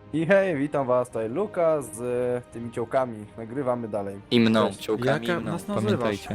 I hej, witam was, tutaj Luka z tymi ciołkami. Nagrywamy dalej. I mną, Cześć. ciołkami Jaka i mną, nas nazywasz? pamiętajcie.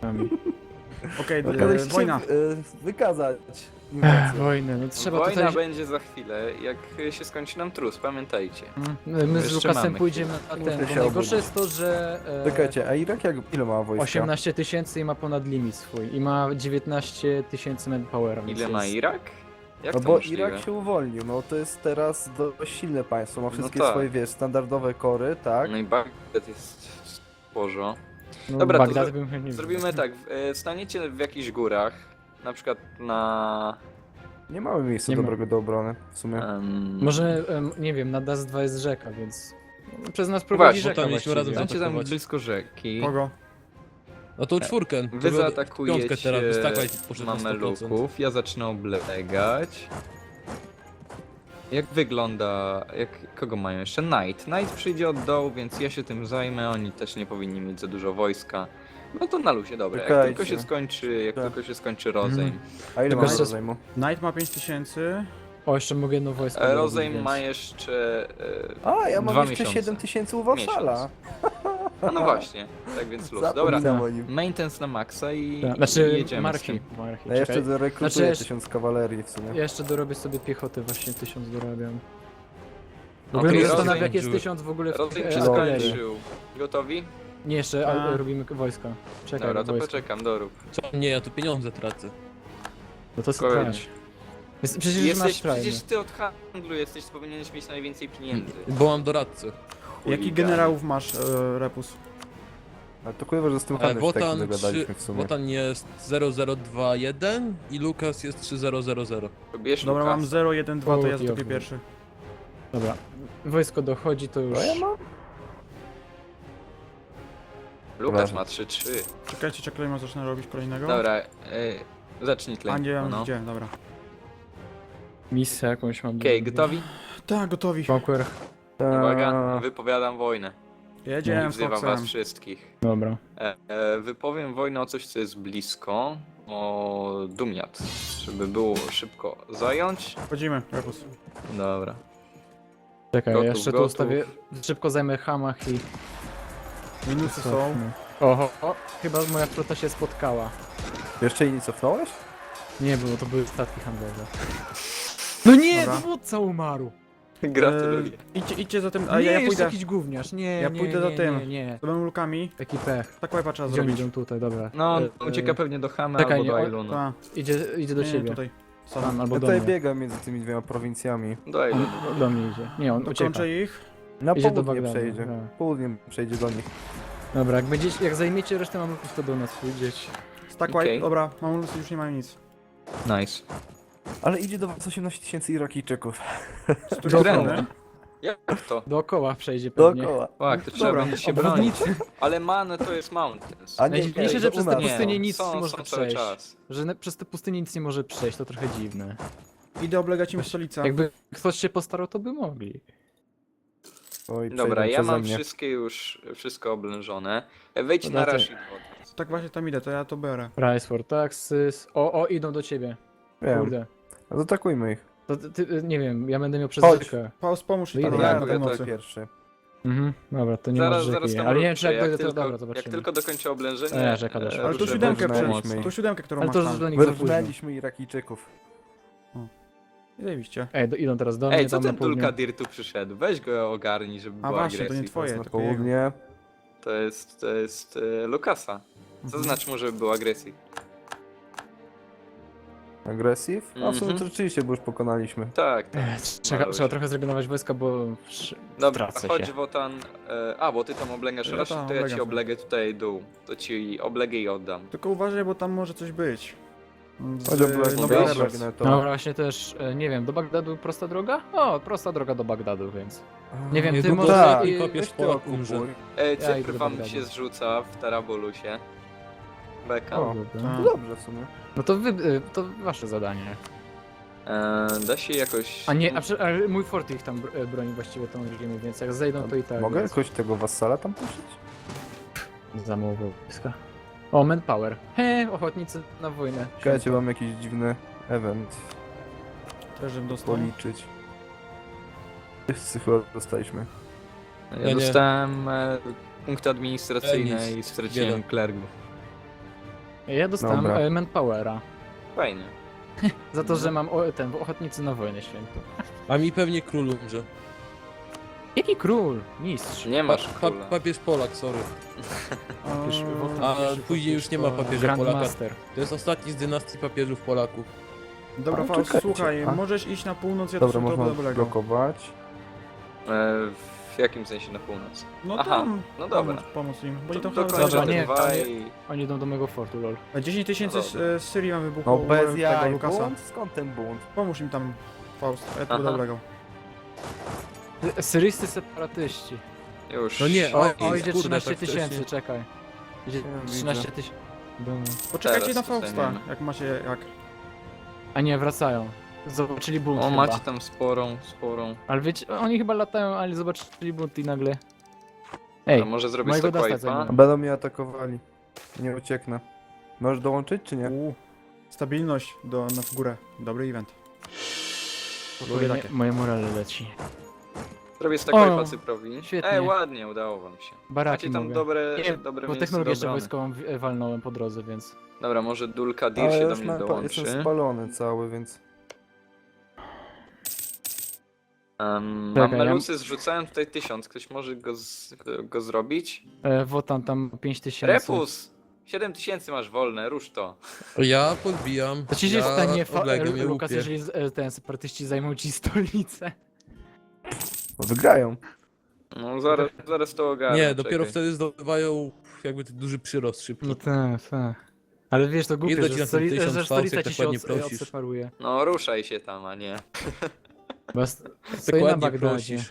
Okej, Okazaliście wojna. wykazać inwazję. Wojnę, no trzeba Wojna tutaj... będzie za chwilę, jak się skończy nam trus, pamiętajcie. My z Jeszcze Lukasem mamy pójdziemy na Muszę ten, się bo najgorsze obudzić. jest to, że Czekajcie, a Irak ile ma wojska? 18 tysięcy i ma ponad limit swój i ma 19 tysięcy manpowera. więc Ile ma jest- Irak? Jak No to bo możliwe? Irak się uwolnił, no to jest teraz dość silne państwo, ma wszystkie tak. swoje, wiesz, standardowe kory, tak? No i Bagdad jest sporo. No, Dobra, to Bagdad bym nie Zrobimy tak, staniecie w jakichś górach, na przykład na... Nie mamy miejsca Nie ma. dobrego do obrony, w sumie. Może, nie wiem, na DAS 2 jest rzeka, więc przez nas prowadzi Właśnie, rzeka tam mieliśmy razem właściwie. Stańcie tam zaatakować. blisko rzeki. Kogo? No to czwórkę. Wy to piątkę zaatakujecie teraz wystakaj poszedł na 100%. mameluków, ja zacznę oblegać. Jak wygląda, kogo mają jeszcze? Knight przyjdzie od dołu, więc ja się tym zajmę, oni też nie powinni mieć za dużo wojska. No to na luzie, dobra, jak Czekajcie. tylko się skończy, jak Tak. tylko się skończy rozejm. A ile Tylko mamy jeszcze- rozejmu? Knight ma 5000. O, jeszcze mogę jedno wojsko Rozejm dorobić, więc- ma jeszcze A, ja mam 2 jeszcze miesiące. 7000 u wasala. No właśnie, tak więc luz. Zapomniałem Dobra, o nim. maintenance na maksa i, Tak, i Znaczy, jedziemy z marki. tym. marki. Ja jeszcze czekaj. rekrutuję Znaczy, jeszcze- 1000 kawalerii w sumie. Ja jeszcze dorobię sobie piechotę, właśnie 1000 dorabiam. W Okej, ogóle mnie rozejm zastanawia, jak jest dziury. 1000 w ogóle w Rozejm się artylerii. skończył. Gotowi? Nie, jeszcze A. robimy wojska. Czekaj, Dobra, to wojska. poczekam, dorób. Co? Nie, ja tu pieniądze tracę. No to Spokojnie. strać. Przecież masz Jesteś, trajny. przecież ty od handlu jesteś, powinieneś mieć najwięcej pieniędzy. Bo mam doradcę. Jakich Chuligan. generałów masz, Repus? Ale to kurwa, że z tym handlem się tak Wotan, dogadaliśmy w sumie. Wotan jest 0021 i Lukas jest 3000. Bierz Dobra, Lukasa. mam 0, 1, 2, to ja Okej, zatopię okej. pierwszy. Dobra, wojsko dochodzi, to już... To ja mam? Lukas Ważne. ma 3-3. Czekajcie, czekajcie, zacznę robić kolejnego. Dobra, zacznij A tlen. nie, no. gdzie? Dobra. Misję jakąś mam. Okej, gotowi? Tak, gotowi. Conquer. Uwaga, wypowiadam wojnę. I Jedziemy z wzywam was Foxem. wszystkich. Dobra. Wypowiem wojnę o coś, co jest blisko. O Dumiat. Żeby było szybko zająć. Wchodzimy, Repus. Dobra. Czekaj, Gotów, jeszcze tu gotów. ustawię... Szybko zajmę Hamach i... Minusy są. Oho, chyba moja flota się spotkała. Jeszcze jej nie cofnąłeś? Nie, bo to były statki handlowe. No nie, Dobra. dowódca umarł! Gratuluję. Idźcie za tym, a nie, ja jeszcze pójdę. jakiś gówniarz, nie, Ja nie, pójdę nie, za tym. Nie, nie, Z byłem lukami. taki pech. Tak łajpa trzeba Gdzie oni zrobić. idą tutaj, dobra. No, E, ucieka pewnie do Hamy czekaj, albo do nie, Ailunu. Ta, Idzie do nie, ciebie. tutaj. Tam, Sam. albo Ja do tutaj mnie. biegam między tymi dwiema prowincjami. Do Ailunu. Do mnie idzie. Nie, on ucieka. Dokończę ich. Na Idzie do południe Bagdadu, przejdzie. tak. Południe przejdzie do nich. Dobra, jak zajmiecie resztę mamluków, to do nas pójdziecie. Stack Okej. wipe. Dobra, mam już nie mają nic. Nice. Ale idzie do was 18 tysięcy Irakijczyków. Z której Dobra. strony? Jak to? Dookoła przejdzie pewnie. Dookoła. Tak, to trzeba Dobra, będzie się bronić. Obwodnicy. Ale man to jest mountains. A Najdziwniejsze, ej, że to przez u te nas. pustynie nic są, nie może są cały przejść. czas. Że przez te pustynie nic nie może przejść, to trochę dziwne. Idę oblegać im stolicę. Jakby ktoś się postarał, to by mogli. Oj, Dobra, przejdą ja przeze mam mnie. wszystko oblężone. Wejdź Dobra, na to- Rashid. Tak właśnie tam idę, to ja to biorę. Price for taxes. O, idą do ciebie. Wiem. Kurde. No Zaatakujmy ich. To ty, nie wiem, ja będę miał przez Chodź. rzekę. Paus, pomóż No i tam idę. ja Tak, na ja pomocy. tak. Pierwszy. Mhm, dobra, to nie Zaraz, masz zaraz rzeki. tam Ale nie wiem, czy jak ruszę. dojdę, to tylko, dobra, zobaczymy. jak tylko dokończę oblężenie. Rzeka doszła. Ale to ruszę siódemkę bardzo przecież. mocno. To siódemkę, którą Ale masz to już tam. dla nich za późno. Wyrwnęliśmy Irakijczyków. I zajebiście. Ej, idą teraz do mnie, Ej, co tam na ten południu. Dulkadir tu przyszedł? Weź go ogarnij, żeby A była właśnie, to agresja. nie twoje. Na takiego. południe. To jest Lukasa. Mhm. Zaznacz mu, żeby był agresji. Agresyw? A w sumie Mhm. to rzeczywiście, bo już pokonaliśmy. Tak, tak. Trzeba trochę zrezygnować wojska, bo Dobra, tracę chodź się. Wotan. Bo ty tam oblegasz Ja Rashid, tam to ja ci oblegam. oblegę tutaj dół. To ci oblegę i oddam. Tylko uważaj, bo tam może coś być. Chodź obległ Nowej Dobra, Rebels. No właśnie też, nie wiem, do Bagdadu prosta droga? O, prosta droga do Bagdadu, więc. Nie wiem, ty Niedługo może... tak, i- kopiesz weź ty Polak okupuj. umrze. Ja idę Cypr do wam Bagdadu. się zrzuca w Tarabulusie. Beka. O. Dobra. No dobrze w sumie. No to wasze zadanie. Da się jakoś... A nie, a mój fort ich tam broni właściwie tą reżimie, więc jak zejdą, to i tak. Mogę więc jakoś tego wassala tam puścić? za mało wojska. O, manpower. Ochotnicy na wojnę. Czekajcie, mam jakiś dziwny event Też bym dostał. policzyć. Wszyscy chyba dostaliśmy. Ja nie. dostałem punkty administracyjne Nic. i straciłem Bieda. klergów. Ja dostałem Dobra. manpowera. Fajnie. Za to, że mam ochotnicy na wojnę świętą. A mi pewnie król umrze. Jaki król? Mistrz. Nie masz króla. Papież Polak, sorry. Papież- A papież- później już nie ma papieża Polaka. Grandmaster. To jest ostatni z dynastii papieżów Polaków. Dobra, A, Faust, czekajcie. słuchaj, A? możesz iść na północ, ja Dobra, też to można dobrego. blokować. W jakim sensie na północ? No Aha, tam, no dobra. pomóc im, bo oni To tam chyba dokończę Dobra, te nie, dwa tam nie- i... Oni idą do mojego fortu, lol. 10 tysięcy Dobra. z Syrii mam No wybuchło u bez tego jaj, Lukasa. bunt? Skąd ten bunt? Pomóż im tam, Faust, ja to Aha. dobrego. Syryjscy separatyści. Już. No nie, O, Oj, idzie kurde, 13 tak tysięcy, wcześnie. czekaj. Idzie Ja 13 widzę. tysięcy. Poczekajcie Teraz na to Fausta, zajmiemy. jak macie, jak. A nie, wracają. Zobaczyli bunt O, chyba. macie tam sporą. Ale wiecie, oni chyba latają, ale zobaczyli bunt i nagle... Ej, A może zrobić mojego tak dostać wipe'a? zajmę. Będą mnie atakowali. Nie ucieknę. Możesz dołączyć czy nie? Stabilność w górę, dobry event. Lubię takie. moje morale leci. Zrobię stack O, wipe'a Cyprowi. świetnie. Ładnie, udało wam się. Baraki Macie tam mogę. dobre, Nie, dobre bo miejsce technologię do jeszcze obrony. wojskową walnąłem po drodze, więc... Dobra, może Dulka Dir Ale się do już mnie mam, dołączy. jestem spalony cały, więc... Mam Czekaj, melusy, zrzucałem tutaj 1000. Ktoś może go zrobić? Wotan tam 5000. Repus! 7000 masz wolne, rusz to. Ja podbijam. To ci się ja stanie, oblegam je Lukas, łupię. jeżeli ten separatyści zajmą ci stolicę. No, wygrają. No zaraz to ogarnę. Nie, dopiero czekaj. wtedy zdobywają jakby ten duży przyrost szybki. No tak, tak. Ale wiesz, to głupie, Ile ci że, na ten 1000 że Faust, stolica jak ci tak się ładnie prosisz? odseparuje. No ruszaj się tam, a nie. Bo stoi na ładnie Bagdadzie. prosisz.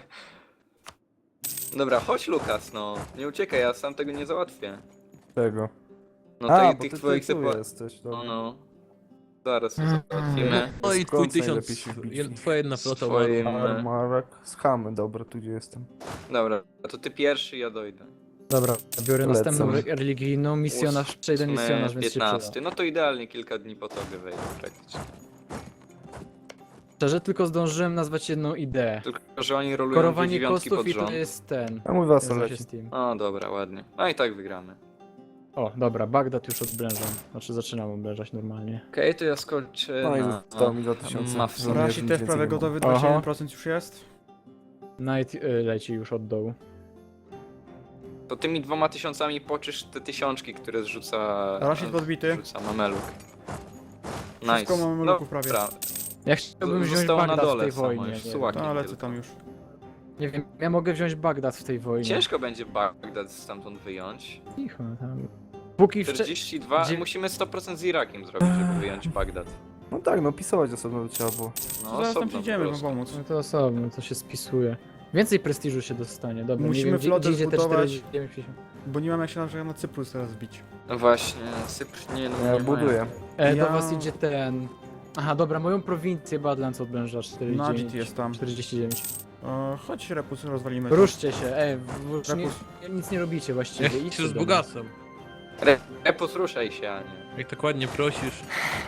Dobra, chodź Lukas, no. Nie uciekaj, ja sam tego nie załatwię. Czego? No A, tej, bo tych ty twoich tu sepa... jesteś, No, dobra. no. Zaraz to załatwimy. No i twój Skąd 1000, najlepiej się wbić? twoja jedna flota Swoim- umarła. Armarak, schamy, dobra, tu gdzie jestem. Dobra, to ty pierwszy, ja dojdę. Dobra, biorę Lecę. następną religijną, misjonarz, przejdę misjonarz, więc się 15. przyda. No to idealnie kilka dni po tobie wejdę praktycznie. Szczerze, tylko zdążyłem nazwać jedną ideę. Tylko, że oni rolują Korowanie dziewiątki kostów pod i to rząd. jest ten. A mój wasal nazywa się leci. Steam. O, dobra, ładnie. No i tak wygramy. O, dobra, Bagdad już odblężam. Znaczy zaczynam odblężać normalnie. Okej, to ja skończę No i na... zostało mi 2000. Mawsy. żołnierzy, Rasi nic też więcej prawie nie mam. gotowy, Aha. 21% już jest. Night leci już od dołu. To tymi 2000 poczysz te tysiączki, które zrzuca... Rashid podbity. Zrzuca Mameluk. Wszystko Nice. Mameluków prawie. Dobra, Ja chciałbym wziąć Zostało na Bagdad w dole tej samo wojnie. już, Nie, sułaki. No, lecę tylko. tam już. nie wiem, ja mogę wziąć Bagdad w tej wojnie. Ciężko będzie Bagdad stamtąd wyjąć. Cicho, tam. Póki 42, Gdzie- musimy 100% z Irakiem zrobić, żeby wyjąć Bagdad. No tak, no pisować osobno by trzeba było. No, Zaraz tam osobno przyjdziemy po wam prostu. pomóc. No to osobno, to się spisuje. Więcej prestiżu się dostanie, dobra. Musimy nie wiem, flotę gdzie idzie te zbudować. 49. Bo nie mam jak się na przykład na Cyprus teraz wbić. No właśnie, Cypr nie, no Ja nie buduję. Do Ja- was idzie ten... Aha, dobra, moją prowincję Badlands odblęża 49. Nadit jest tam. 49. Chodź Repus, rozwalimy to. Ruszcie się, nie, Repus. nic nie robicie właściwie. Jak idźcie się z do mnie. bogactwem. Repus, ruszaj się, a nie. Jak tak ładnie prosisz.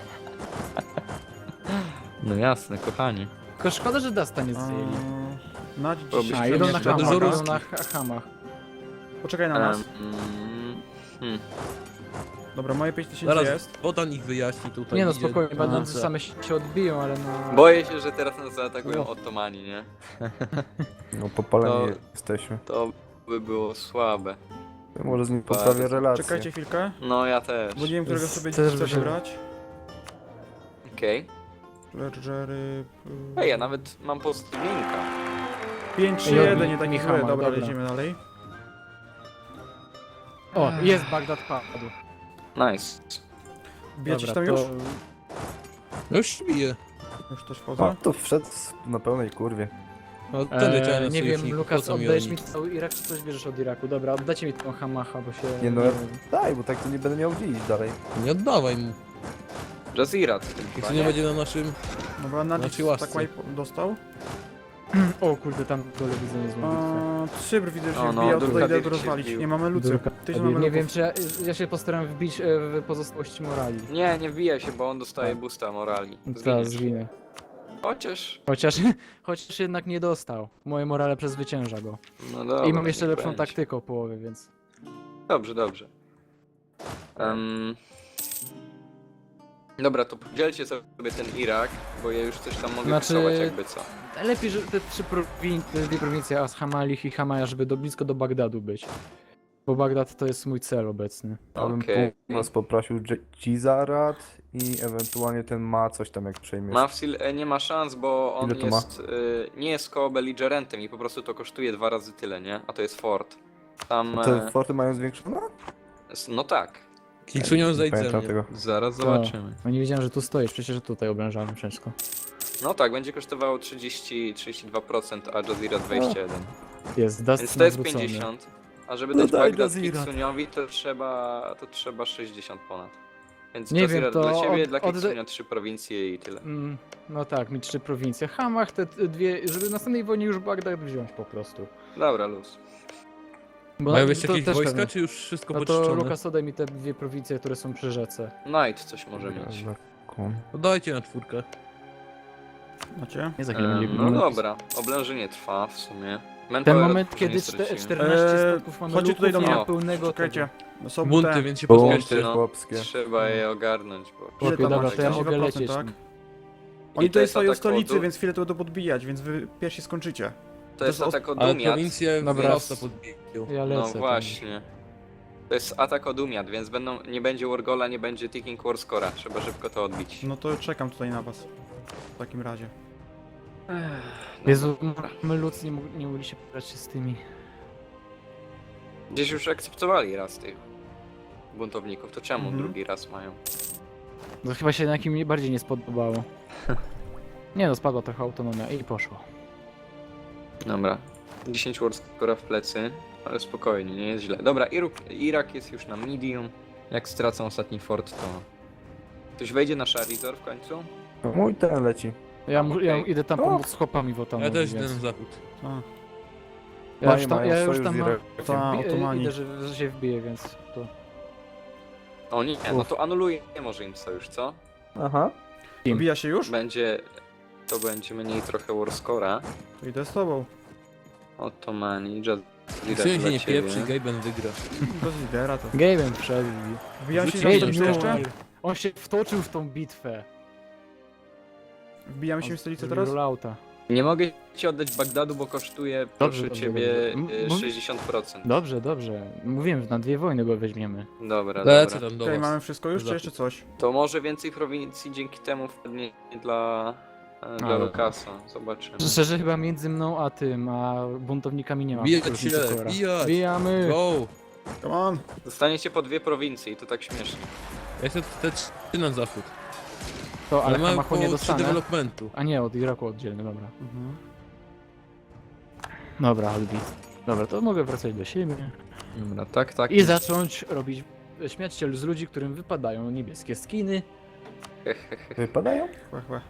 No jasne, kochani. Tylko szkoda, że Dasta nie zajęli. Nadit Bo się A, byśmy idą nie na za hamach, dużo idą ruskich. na hamach. Poczekaj na nas. Dobra, moje 5000 Zaraz jest. Wotan ich wyjaśni tutaj. Nie no, idzie spokojnie, na Badlandsy C. same się odbiją, ale no... Boję się, że teraz nas zaatakują No. Ottomani, nie? No popaleni To- jesteśmy. To by było słabe. Ja może z nim Bardzo. poprawię relacje. Czekajcie chwilkę, No ja też. bo nie wiem, którego sobie Też chcę by się- wybrać. Okej. Ledgery... Ej, ja nawet mam pozytywnika. 5-3-1, nie taki Michała, zły. Dobra, dobra. lecimy dalej. O, jest Bagdad padł. Nice. Wbijacie się Dobra, tam już? to... No już się bije. Już też O, wchodzę. tu wszedł na pełnej kurwie. No tędy trzeba na nie wiem, sojuszników, Lukas, po co mi oddajesz oni? mi cały Irak, czy coś bierzesz od Iraku? Dobra, oddajcie mi tą Hamacha, bo się... Nie no, wiem. daj, bo tak to nie będę miał gdzie iść dalej. Nie oddawaj mu. Jazirat. Jak to nie będzie na naszym... Dobra, Nadit Znaczy łasce. tak wipe dostał. O kurde, tam dole widzę niezłą bitwę. Cypr widzę, że się O, no, wbija, Dulka tutaj idę Dir to się rozwalić. wbił. Nie mamy lucy. Dulka Tyś Nie mamy wiem, czy ja się postaram wbić w pozostałości morali. Nie, nie wbijaj się, bo on dostaje boosta morali. Teraz Zginiesz. zginę. Chociaż jednak nie dostał. Moje morale przezwycięża go. No dobra, I mam jeszcze niech lepszą będzie. taktykę o połowie, więc... Dobrze, dobrze. Dobra, to podzielcie sobie ten Irak, bo ja już coś tam mogę Znaczy- rysować jakby co. Lepiej, że te dwie prowincje, As-Hamalih i Hamaya, żeby blisko do Bagdadu być. Bo Bagdad to jest mój cel obecny. Ja bym Okej. północ poprosił Gizarat i ewentualnie ten ma coś tam jak przejmiesz. Mafsil nie ma szans, bo on Ile to ma? jest, nie jest koło belligerentem i po prostu to kosztuje 2 razy tyle, nie? A to jest fort. Tam, Te forty mają zwiększone? no tak, Kiksunią Nie zejdź ze pamiętam mnie. tego. zaraz To- zobaczymy. No nie wiedziałem, że tu stoisz, przecież tutaj oblężamy wszystko. No tak, będzie kosztowało 32%, a Jazira 21. Jest, Dust Więc to jest nawrócony. 50. A żeby No dać daj Bagdad Jazirat. Kiksuniowi, to trzeba 60 ponad. Więc Nie Jazirat wiem, to dla ciebie, od- dla od- Kiksunia 3 prowincje i tyle. No tak, mi 3 prowincje. Hamach te dwie, żeby w następnej wojnie już Bagdad wziąć po prostu. Dobra, luz. Bo Mają na- jeszcze to jakieś też wojska, pewnie. czy już wszystko No to poczyszczone? Lukas, oddaj mi te dwie prowincje, które są przy rzece. Knight coś może mieć. No dajcie na 4. Macie? Nie za chwilę będzie No Lukas. dobra, oblężenie trwa w sumie. Ten Manpower moment, nie kiedy straciłem. 14 statków mamy chodźcie tutaj do nie mnie. ma pełnego Czekajcie. No są Bunty, te... więc się Bunty pospieszcie. no. chłopskie. Trzeba je ogarnąć, bo... Ile Chłopie, tam dobra, macie? to ja mogę 42%, lecieć. tak? I Oni to tutaj jest stoją w atak stolicy, od- więc chwilę to będą podbijać, więc wy pierwsi skończycie. To jest to jest atak od Ale Dumiat. prowincje Dobra. wzrasta podbiją. Ja lecę. No tam. właśnie. To jest atak od Dumiat, więc nie będzie Wargola, nie będzie Ticking War Scora. Trzeba szybko to odbić. No to czekam tutaj na was. W takim razie. Jezu, my ludzcy nie mogli się pobrać się z tymi. Gdzieś już akceptowali raz tych buntowników, to czemu Mhm. drugi raz mają? To chyba się na kim mnie bardziej nie spodobało. Nie no, spadła trochę autonomia i poszło. Dobra. 10 War Scora w plecy, ale spokojnie, nie jest źle. Dobra, Irak jest już na medium. Jak stracą ostatni fort, to... Ktoś wejdzie na Charizard w końcu? No, mój ten leci. Ja Okej. idę tam O! pomóc z chłopami w Otomowi, Ja też idę więc... na zachód. A, Ja już tam, Mają ja już sojusz tam z mam... Irakiem. Ta, Otomani. Idę, że się wbiję, więc to... O nie, no to anuluje może im sojusz, co? Aha. Wbija się już? To będzie mniej trochę War Scora. To idę z tobą. Ottomani, Kiksunia się nie pieprzy, Gaben wygra. Bez lidera to. Gaben wszedł. Wbijam się Wróciłem w stolicę jeszcze? On się wtoczył w tą bitwę. Wbijamy się w stolicę Zrobił teraz? rollouta. Nie mogę ci oddać Bagdadu, bo kosztuje, proszę dobrze, ciebie, dobrze. 60%. Dobrze, dobrze. Mówiłem, że na 2 wojny go weźmiemy. Dobra, Lecę dobra. tam do Okej, was. mamy wszystko już, czy Zachód. jeszcze coś? To może więcej prowincji dzięki temu wpadnie dla Ale- Lukasa. Zobaczymy. Szczerze chyba między mną a tym, a buntownikami nie ma. Bijać różnicy się, kolora. bijać. Bijamy! Go! Come on! Dostaniecie po 2 prowincje i to tak śmiesznie. Ja chcę te 3 na zachód. To, ale Ale mam Hamachu nie około 3 dostanę. developmentu. A nie, od Iraku oddzielny, dobra. Mhm. Dobra, Albi. Dobra, to mogę wracać do siebie. Dobra, tak. I zacząć robić, śmiać się z ludzi, którym wypadają niebieskie skiny. Wypadają? Chłe, chłe.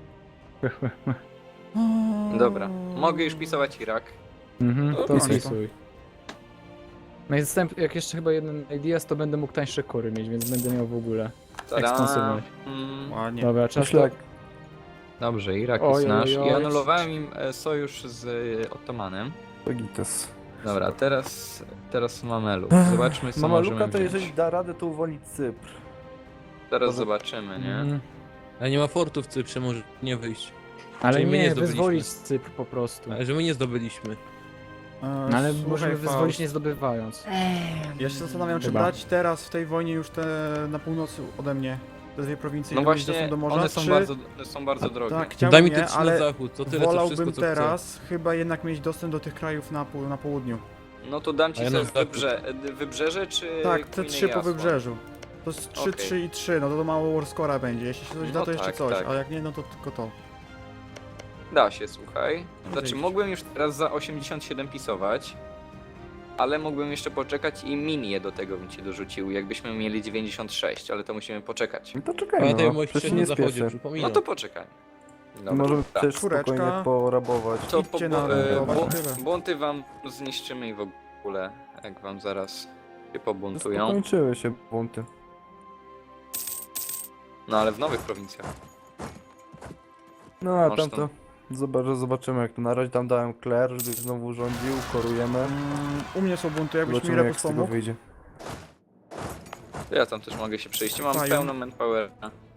Dobra, mogę już pisować Irak. Mhm, to Dobra. spisuj. No i jak jeszcze chyba jeden ideas, to będę mógł tańsze kory mieć, więc będę miał w ogóle Tada. ekspansywność. Ładnie. Dobra, czas Myślę, to... Dobrze, Irak Oj, jest nasz. oj, oj. I anulowałem im sojusz z Ottomanem. to gites. Dobra, teraz Mameluk. Zobaczmy co Mama możemy Luka to wziąć. jeżeli da radę, to uwolnić Cypr. Teraz Może- zobaczymy, nie? Mhm. Ale nie ma fortu w Cyprze, może nie wyjść. Ale Czyli my nie nie, zdobyliśmy. wyzwolić z Cypr po prostu. Ale że my nie zdobyliśmy. No, ale Słuchaj, możemy Faust, wyzwolić nie zdobywając. Ja się zastanawiam, czy Chyba. brać teraz w tej wojnie już te na północy ode mnie. Te dwie prowincje, No które mieć właśnie, dostęp do morza, one są bardzo drogie. Tak, Daj chciałbym mi te nie, 3 na ale zachód, to tyle, to wolałbym wszystko co teraz chyba jednak mieć dostęp do tych krajów na południu. No to dam ci A ja sobie na zachód. wybrzeże czy Tak, te Queen 3 po Jasła? wybrzeżu. To jest 3, Okej. 3 i 3, no to mało Warscora będzie. Jeśli się coś No da, to jeszcze tak, coś, tak. a jak nie, no to tylko to. Da się, słuchaj. Znaczy Wyjść. mógłbym już teraz za 87 pisować, ale mógłbym jeszcze poczekać i minię do tego bym ci dorzucił, jakbyśmy mieli 96, ale to musimy poczekać. No to czekaj, Pamiętaj o no. moich Przecież 3 nie na zachodzie, spieszę. przypominam. No to poczekaj. Dobra. Możemy Tak. też Czwóreczka. spokojnie porabować. To idźcie na tyle. bunty wam zniszczymy i w ogóle, jak wam zaraz się pobuntują. Skończyły się bunty. No ale w nowych prowincjach. No a Masz tam tam. to zobaczymy jak to na razie tam dałem Claire, żeby znowu rządził, korujemy. U mnie są bunty, jakbyś mi Zobaczymy jak Rebus z tego pomógł. wyjdzie. Ja tam też mogę się przejść. Mam Fają. pełno manpowera.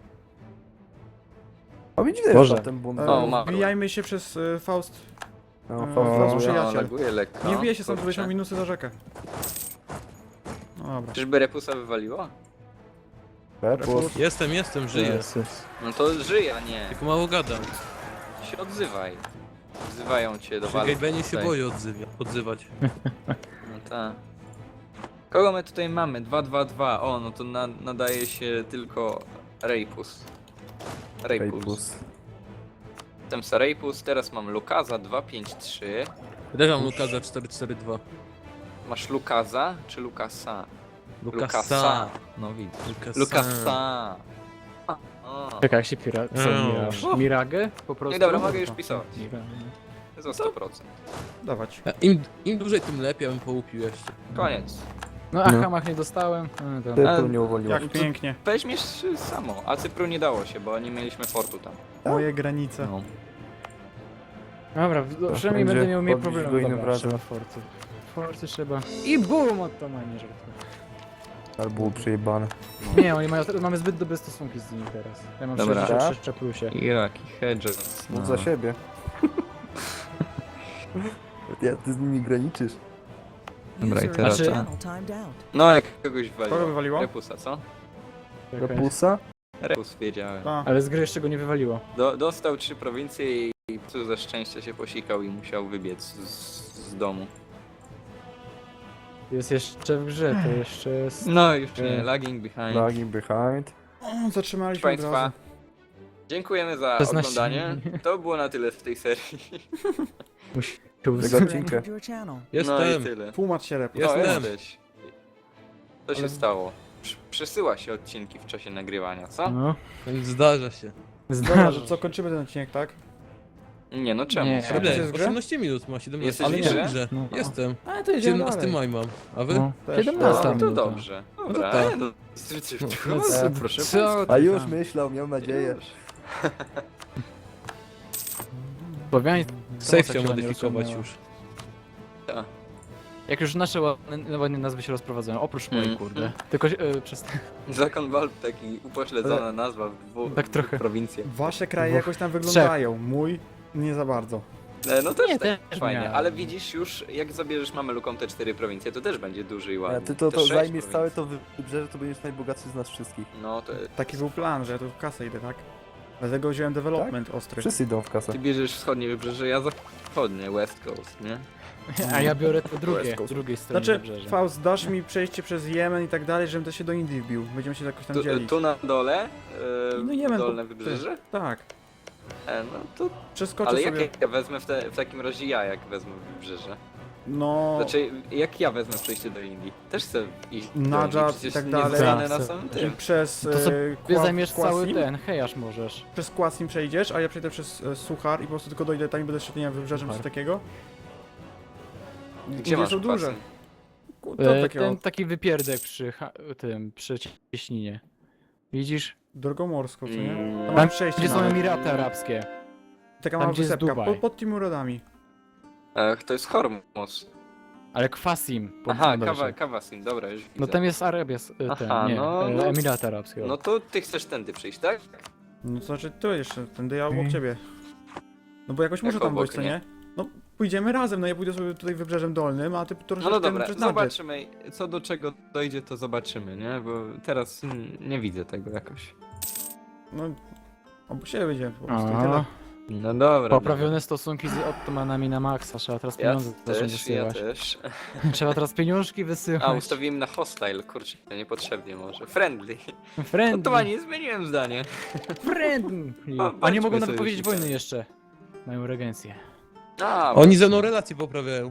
A widzisz, Boże. jest ten bunt. O, ma- Wbijajmy się przez Faust. No, o, Faust przyjaciel. No, laguje lekko. Nie wbijaj się sam, Kurczę. żebyś miał minusy za rzekę. No dobra. Czyżby Repusa wywaliło? Repus. Jestem, żyję. Jezus. No to żyje, a nie. Tylko mało gadam. Się odzywaj. Wzywają cię do Przy walki. Gabenie się tutaj. boję odzywać. No tak. Kogo my tutaj mamy? 2-2-2. O, no to nadaje się tylko Rapus. Repus. Jestem Rapus, teraz mam Lukaza 2-5-3. Też mam Lukaza 4-4-2. Masz Lukaza czy Lukasa? Lukasa. No widzisz. Lukasa. Lukasa. O, Czekaj, jak się co, miraż? Miragę? Po prostu? dobra, mogę już pisać. Miragę. za 100%. Dawać. Im dłużej, tym lepiej, ja bym połupił jeszcze. Koniec. No a No. Hamach nie dostałem. To... Cypru nie uwolniło. Jak pięknie. Weźmiesz samo, a Cypru nie dało się, bo nie mieliśmy fortu tam. Moje granice. No. Dobra, przynajmniej będzie będę miał mniej podbić go problemów. innym Dobra, razem. trzeba forty. Forty trzeba. I boom od to nie żartuję. Ale było przejebane. Nie, oni mają, mamy zbyt dobre stosunki z nimi teraz. Ja mam Dobra. 66 plusie. Jaki hedge. Mów za siebie. Ty z nimi graniczysz. Dobra, i User teraz Znaczy- tak. channel timed out. No jak kogoś Kogo wywaliło? wywaliło? Repusa, co? Czekaj. Repusa? Repus wiedziałem. A, Ale z gry jeszcze go nie wywaliło. Dostał 3 prowincje i tu ze szczęścia się posikał i musiał wybiec z domu. Jest jeszcze w grze, to jeszcze jest... No już nie, lagging behind. Lagging behind. o, zatrzymaliśmy od Państwa, razu. dziękujemy za 16. oglądanie. To było na tyle w tej serii. Musi... Tego User odcinka. entered your channel. No i Jestem. tyle. Tłumacz się Repus. No, Jestem. jesteś. Co się Ale- stało? Przesyła się odcinki w czasie nagrywania, co? No. Zdarza się. Dobra, Zdarza że co, kończymy ten odcinek, tak? Nie no czemu? Nie. Czemu? Repus jest Ile? w grze? 18 minut ma, 17. Jesteś Ale w nie grze? w grze. No. Jestem. A, to jedziemy 17 dalej. maj mam. A wy? No. Też. 17 No, to minuta. dobrze. Dobra, tak. no, proszę Co? A już myślał, miał nadzieję. Słowianie... Safe tak chciał się modyfikować ładnie już. Jak już nasze ładnie nazwy się rozprowadzają, oprócz mojej, Mhm. kurde. Tylko przez... Zakon Valve taki upośledzona nazwa w dwóch Tak trochę. prowincjach. Wasze kraje Dwóch. jakoś tam wyglądają. Mój nie za bardzo. No też Nie, tak też fajnie, miałem. ale widzisz już, jak zabierzesz Mamelukom te 4 prowincje, to też będzie duży i A ładny. ty to Te 6 zajmiesz prowincji. całe to wybrzeże, to będziesz najbogatszy z nas wszystkich. No to Taki był plan, że ja tu w kasę idę, tak? Dlatego wziąłem development ostry. Wszyscy idą w kasę. ty bierzesz wschodnie wybrzeże, ja zachodnie, West Coast, nie? A ja biorę to drugie, West Coast. z drugiej strony Znaczy, wybrzeża. Faust, dasz mi przejście przez Jemen i tak dalej, żebym też się do Indii wbił. Będziemy się jakoś tam dzielić. Tu na dole, No Jemen, dolne po- wybrzeże? Tak. No to, Przeskoczę ale sobie. jak ja wezmę w takim razie jak wezmę wybrzeże? No... Znaczy, jak ja wezmę przejście do Indii? Też chcę iść do Nadżad Indii, i przecież tak nie dalej. zostanę na Tak, samym Czyli tym. przez... To sobie Kwa- zajmiesz cały Kwasim? ten, hejasz możesz. Przez Kwasim przejdziesz, a ja przejdę przez Suchar i po prostu tylko dojdę tam i będę szedł, nie wiem, wybrzeżem czy Suchar. takiego. Gdzie Indie masz są duże. kwasy? To takiego Ten taki wypierdek przy cieśninie. Widzisz? drogomorską, co nie? Mm. Tam Tam, mam przejście gdzie są nawet. Emiraty Arabskie. Taka tam, mała gdzie jest wysepka, Dubaj. pod tymi rodami. To jest Hormuz. Ale Kwasim. Aha, Kawa. Kawasin, dobra, już widzę. No tam jest Arabia, Aha, nie, no, Emiraty Arabskie. No to ty chcesz tędy przyjść, tak? No to znaczy tu jeszcze, tędy ja obok ciebie. No bo jakoś muszę Jak tam obok, dojść, co nie? nie? No pójdziemy razem, no ja pójdę sobie tutaj wybrzeżem dolnym, a ty troszeczkę No dobra, przez Nadżet. zobaczymy. Co do czego dojdzie, to zobaczymy, nie? Bo teraz nie widzę tego jakoś. No, obok siebie będziemy po prostu i A, tyle. No dobra. poprawione stosunki z Ottomanami na maksa, trzeba teraz Ja pieniądze zacząć też, ja wysyłać. też. Trzeba teraz pieniążki wysyłać. A, ustawiłem na hostile, kurczę, niepotrzebnie może. Friendly. No Friendly, to nie zmieniłem zdanie. friendly. O, A nie bądźmy mogą nawet powiedzieć sojusznikami. wojny jeszcze. Mają regencję. A, Oni ze mną relacje poprawiają.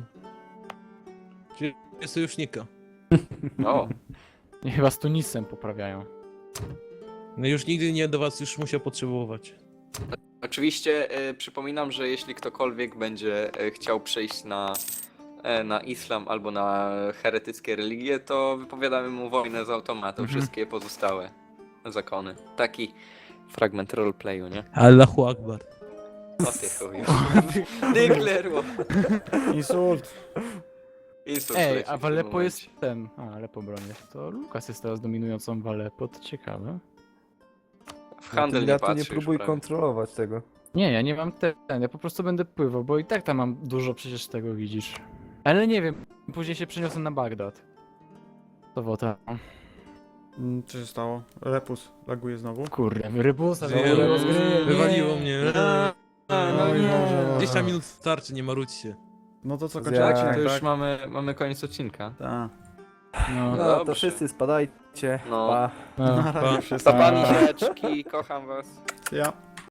Czyli jest sojusznika. O, I chyba z Tunisem poprawiają. No już nigdy nie do was już musiał potrzebować. oczywiście przypominam, że jeśli ktokolwiek będzie chciał przejść na islam albo na heretyckie religie, to wypowiadamy mu wojnę z automatu, Mhm. wszystkie pozostałe zakony. Taki fragment roleplayu, nie? Allahu Akbar. O ty chuju. Deklerło. Insult. Insult Ej, leci a w w tym Aleppo momencie. jest ten. A, Aleppo bronię. To Lukas jest teraz dominującą w Aleppo, to ciekawe. W handel nie Ja tu patrzy nie już próbuj prawie. kontrolować tego. Nie, ja nie mam ten, ja po prostu będę pływał, bo i tak tam mam dużo przecież tego widzisz. Ale nie wiem, później się przeniosę na Bagdad. Sobota. Co się stało? Repus laguje znowu. Kurde, rybusa Nie, wywaliło z gry. Wywaliło mnie. Oj, Boże. 20 minut starczy, nie marudźcie. No to co, Ja- kończymy To odcinek, już tak? mamy koniec odcinka. Tak. No, No Dobrze. to wszyscy spadajcie. No. Pa. no. Na razie Pa. wszyscy. Pa, paniczki, kocham was. Ja.